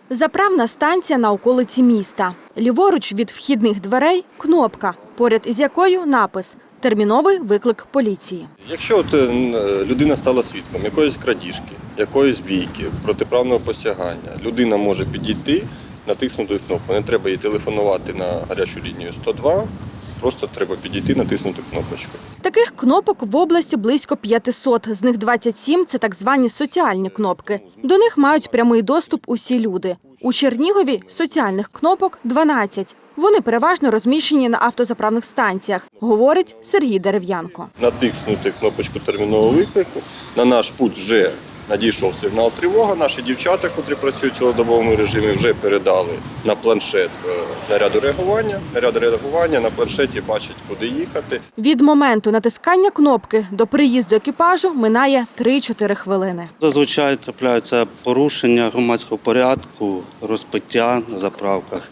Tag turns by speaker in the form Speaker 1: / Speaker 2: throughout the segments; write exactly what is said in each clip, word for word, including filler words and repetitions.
Speaker 1: Заправна станція на околиці міста. Ліворуч від вхідних дверей – кнопка, поряд із якою напис «Терміновий виклик поліції».
Speaker 2: Якщо от людина стала свідком якоїсь крадіжки, якоїсь бійки, протиправного посягання, людина може підійти, натиснути кнопку. Не треба їй телефонувати на гарячу лінію сто два, просто треба підійти, натиснути кнопочку.
Speaker 1: Таких кнопок в області близько п'ятисот, з них двадцять сім – це так звані соціальні кнопки. До них мають прямий доступ усі люди. У Чернігові соціальних кнопок дванадцять. Вони переважно розміщені на автозаправних станціях, говорить Сергій Дерев'янко.
Speaker 2: Натиснути кнопочку термінового виклику, на наш путь вже надійшов сигнал тривога. Наші дівчата, котрі працюють у цілодобовому режимі, вже передали на планшет наряду реагування. Наряд реагування на планшеті бачить, куди їхати.
Speaker 1: Від моменту натискання кнопки до приїзду екіпажу минає три-чотири хвилини.
Speaker 3: Зазвичай трапляються порушення громадського порядку, розпиття на заправках.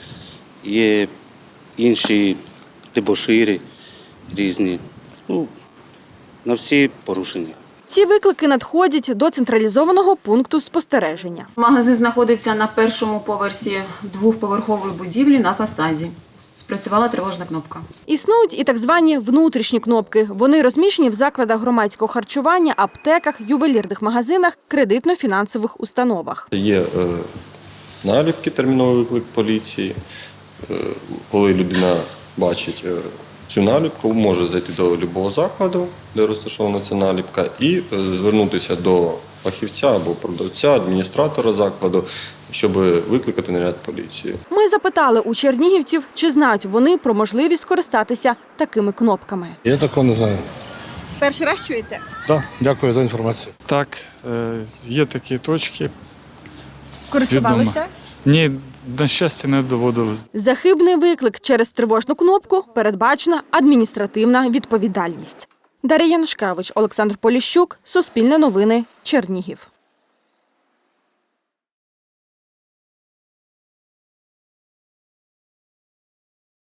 Speaker 3: Є інші дебошири різні. Ну, на всі порушення.
Speaker 1: Ці виклики надходять до централізованого пункту спостереження.
Speaker 4: Магазин знаходиться на першому поверсі двохповерхової будівлі на фасаді. Спрацювала тривожна кнопка.
Speaker 1: Існують і так звані внутрішні кнопки. Вони розміщені в закладах громадського харчування, аптеках, ювелірних магазинах, кредитно-фінансових установах.
Speaker 2: Є е, наліпки «Терміновий виклик поліції». Е, коли людина бачить е, цю наліпку, може зайти до будь-якого закладу, де розташована ця наліпка, і е, звернутися до фахівця або продавця, адміністратора закладу, щоб викликати наряд поліції.
Speaker 1: Ми запитали у чернігівців, чи знають вони про можливість скористатися такими кнопками.
Speaker 5: Я такого не знаю.
Speaker 1: Перший раз чуєте?
Speaker 5: Так, дякую за інформацію.
Speaker 6: Так, є такі точки.
Speaker 1: Користувалися?
Speaker 6: Ні, на щастя, не доводилось.
Speaker 1: За хибний виклик через тривожну кнопку передбачена адміністративна відповідальність. Дар'я Янушкевич, Олександр Поліщук, Суспільне новини, Чернігів.